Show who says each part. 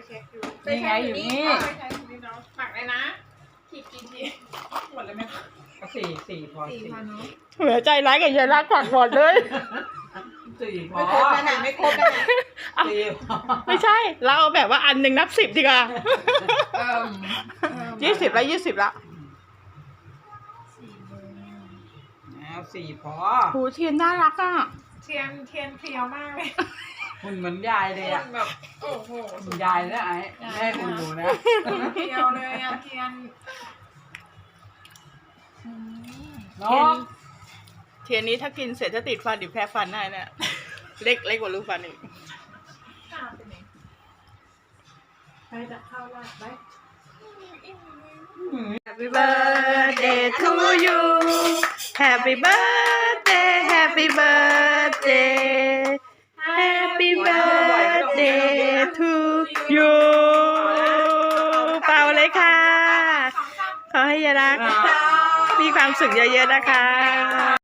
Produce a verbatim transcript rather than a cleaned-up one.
Speaker 1: เช็คอยู่
Speaker 2: นี่ไงอยู่นี่
Speaker 1: ไปใช้ถุงนี้เนาะหมักเลยนะขีดกี่ทีหมดเลยไหมคะ
Speaker 2: ก็สี่สี่พอ
Speaker 1: สี่
Speaker 2: สี่
Speaker 1: พันเนาะ
Speaker 3: เหลือใจร้ายกับยายรักขวัญหมดเลย
Speaker 2: สี่พอ
Speaker 1: ไม่ครบนะน่ะไม่ครบนะน่ะ
Speaker 2: สี่พอ
Speaker 3: ไม่ใช่ เราเอาแบบว่าอันหนึ่งนับสิบดีกว่า
Speaker 1: เอิ่ม
Speaker 3: ยี่สิบละยี่สิบละ
Speaker 1: สี่โมง
Speaker 2: แล้วสี่พอ
Speaker 3: โหเทียนน่ารักอ่ะ
Speaker 1: เทียนเทียนเพรียวมากเลย
Speaker 2: หุ่นเหมือนยายเลยอ่ะ
Speaker 1: แบบโอ้โห
Speaker 2: หุ่นยายนะไอ้ไม่ให้หุ่นหนูนะ
Speaker 1: เพรียวเลยอะเทียน
Speaker 2: น้อง
Speaker 3: เทียนนี้ถ้ากินเสร็จจะติดฟันดิแพ้ฟันได้เนี่ยเล็กเล็กกว่าลูกฟันอีก
Speaker 1: ตามไปไหนไปจะเข้าลาดไป
Speaker 3: Happy birthday to you Happy birthday Happy birthday Happy birthday to you เป่าเลยค่ะ ขอให้ยายรักมีความสุขเยอะๆนะคะ